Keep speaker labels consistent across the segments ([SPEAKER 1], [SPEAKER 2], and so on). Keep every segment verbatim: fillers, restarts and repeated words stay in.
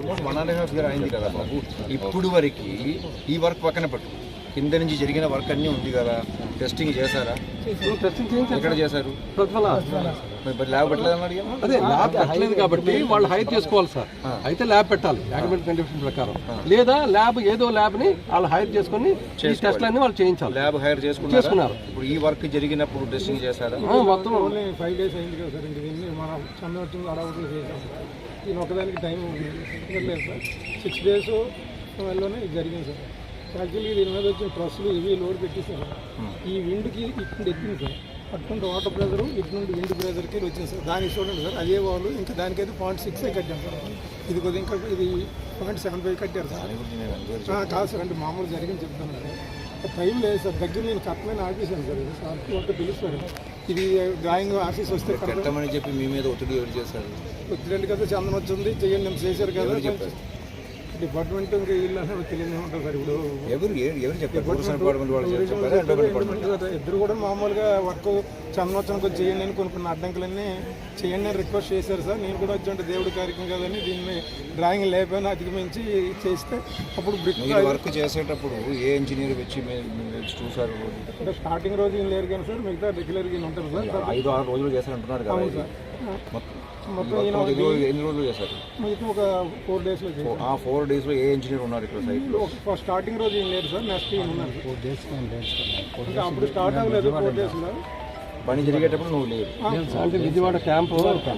[SPEAKER 1] Almost one and half year అయింది కదా బాబు. ఇప్పుడు వరకు ఈ వర్క్ పక్కన పెట్టు, కింద నుంచి జరిగిన వర్క్ అన్నీ ఉంది కదా, టెస్టింగ్ చేశారా? ఎక్కడ చేశారు? మరి ల్యాబ్ పెట్టలేదని అడిగా.
[SPEAKER 2] అదే ల్యాబ్ పెట్టలేదు కాబట్టి వాళ్ళు హైర్ చేసుకోవాలి సార్. అయితే ల్యాబ్ పెట్టాలి డాక్యుమెంట్ కండిషన్ ప్రకారం, లేదా ల్యాబ్ ఏదో ల్యాబ్ ని వాళ్ళు హైర్ చేసుకుని టెస్ట్లన్నీ వాళ్ళు చేయించాలి.
[SPEAKER 1] ల్యాబ్ హైర్ చేసుకున్నారు. ఇప్పుడు ఈ వర్క్ జరిగినప్పుడు టెస్టింగ్ చేశారా?
[SPEAKER 3] మొత్తం ఓన్లీ ఫైవ్ డేస్ అయింది కదా సార్. ఇంక దీన్ని మనం సంవత్సరం అడవులు చేసాం సార్. దీని ఒకదానికి టైం లేదు సార్. సిక్స్ డేస్ వల్లనే ఇది జరిగింది సార్. యాక్చువల్లీ దీని మీద వచ్చిన ట్రస్సులు ఇవి లోడ్ పెట్టేసారు. ఈ విండ్కి ఇటు ఎక్కింది సార్. అటువంటి వాటర్ ప్రెజర్ ఇటు నుండి విండ్ ప్రెజర్కి వచ్చింది సార్. దానికి చూడండి సార్, అదే వాళ్ళు ఇంకా దానికైతే పాయింట్ సిక్స్ కట్టాం సార్. ఇది కొద్దిగా ఇంకా ఇది పాయింట్ సెవెన్ ఫైవ్ కట్టారు సార్. కాదు సార్, అంటే మామూలు జరిగింది చెప్తాను సార్. టైం లేదు సార్. దగ్గర నేను కట్టమైన ఆఫీసాను సార్. ఇది సార్ అంటే పిలుస్తారు. ఇది డ్రాయింగ్ ఆఫీస్ వస్తే
[SPEAKER 1] కట్టమని చెప్పి మీ మీద ఒత్తిడి ఎవరు చేశారు?
[SPEAKER 3] ఒత్తిడి కదా, చందన వచ్చింది చెయ్యండి మేము చేశారు కదా. డిపార్ట్మెంట్ ఇంకా వీళ్ళు అసలు తెలియదు ఉంటారు సార్. ఇప్పుడు
[SPEAKER 1] ఎవరు ఎవరు చెప్పారు?
[SPEAKER 3] ఇద్దరు కూడా మామూలుగా వర్క్ చందనోత్సవానికి వచ్చి చేయండి అని కొన్ని కొన్ని అడ్డంకులన్నీ చేయండి అని రిక్వెస్ట్ చేశారు సార్. నేను కూడా వచ్చి అంటే దేవుడి కార్యక్రమం కదని దీన్ని డ్రాయింగ్ లేకపోయినా అధిగమించి చేస్తే అప్పుడు బ్రిక్
[SPEAKER 1] వర్క్ చేసేటప్పుడు ఏ ఇంజనీర్ వచ్చి చూసారు?
[SPEAKER 3] అంటే స్టార్టింగ్ రోజు ఏం లేరు కానీ సార్, మిగతా రెగ్యులర్గా ఉంటారు సార్.
[SPEAKER 1] ఐదు ఆరు రోజులు చేశారంటున్నారు కదా సార్. మొత్తం ఎన్ని రోజులు చేశారు?
[SPEAKER 3] మిగతా ఒక ఫోర్ డేస్లో.
[SPEAKER 1] ఆ ఫోర్ డేస్లో ఏ ఇంజనీర్ ఉన్నారు ఇక్కడ సైట్?
[SPEAKER 3] స్టార్టింగ్ రోజు ఏం లేదు సార్, నెక్స్ట్ ఏం ఉన్నారు ఫోర్ డేస్. అంటే అప్పుడు స్టార్ట్ అవ్వలేదు ఫోర్ డేస్లో.
[SPEAKER 1] పని జరిగేటప్పుడు నువ్వు లేదు
[SPEAKER 2] అంటే విజయవాడ క్యాంపు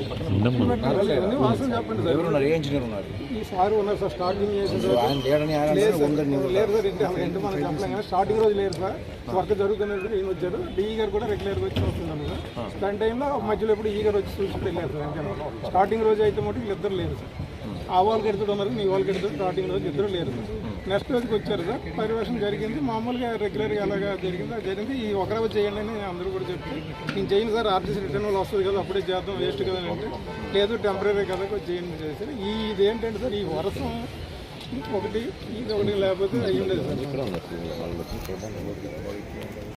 [SPEAKER 3] వాసన చెప్పండి సార్.
[SPEAKER 1] ఎవరున్నారు? ఏ ఇంజనీర్ ఉన్నారు?
[SPEAKER 3] ఈ సార్ ఉన్నారు సార్. స్టార్టింగ్ చేసిన
[SPEAKER 1] ఆయన లేడని
[SPEAKER 3] లేరు సార్. ఇంటి మనం చెప్పలేం కానీ స్టార్టింగ్ రోజు లేరు సార్. వర్క్ జరుగుతున్నప్పుడు ఈయన వచ్చారు. డిఈ గారు కూడా రెగ్యులర్గా వచ్చి వస్తున్నాను సార్. దాని టైంలో మధ్యలో ఎప్పుడు ఈ గారు వచ్చి చూసుకుంటూ వెళ్ళారు సార్. అంటే స్టార్టింగ్ రోజు అయితే మటు వీళ్ళిద్దరు లేరు సార్. ఆ వాళ్ళకి ఎడుతుడు ఉన్నారు, నీ వాళ్ళకి ఎడుతుడు. స్టార్టింగ్ రోజు ఇద్దరు లేరు సార్. నెక్స్ట్ రోజుకి వచ్చారు సార్. పర్యవేక్షణ జరిగింది మామూలుగా రెగ్యులర్గా ఎలాగా జరిగింది అది జరిగింది. ఈ ఒక రోజు చేయండి అని అందరూ కూడా చెప్తే నేను చేయను సార్, ఆర్టీసీ రిటర్న్ వాళ్ళు వస్తుంది కదా అప్పుడే చేద్దాం వేస్ట్ కదా అంటే లేదు టెంపరీ కదా చేయండి చేశారు. ఈ ఇదేంటంటే సార్, ఈ వర్షం ఒకటి ఇది ఒకటి లేకపోతే అయ్యి ఉండేది సార్.